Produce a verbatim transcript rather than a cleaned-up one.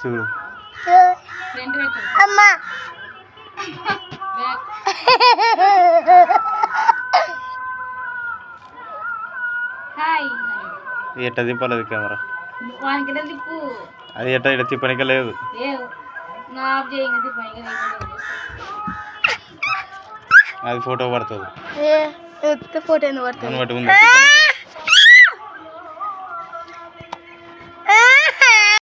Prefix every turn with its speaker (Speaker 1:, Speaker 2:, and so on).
Speaker 1: చూడు
Speaker 2: అమ్మా
Speaker 1: ఎట్ట దింపలేదు కెమెరా
Speaker 2: వానికి తిప్పు
Speaker 1: అది ఎట్ట ఇట్లా తిప్పనిక లేదు అది ఫోటో పడుతుంది
Speaker 2: ఫోటో ఎందుకు పడుతుంది
Speaker 1: పట్టుకుందా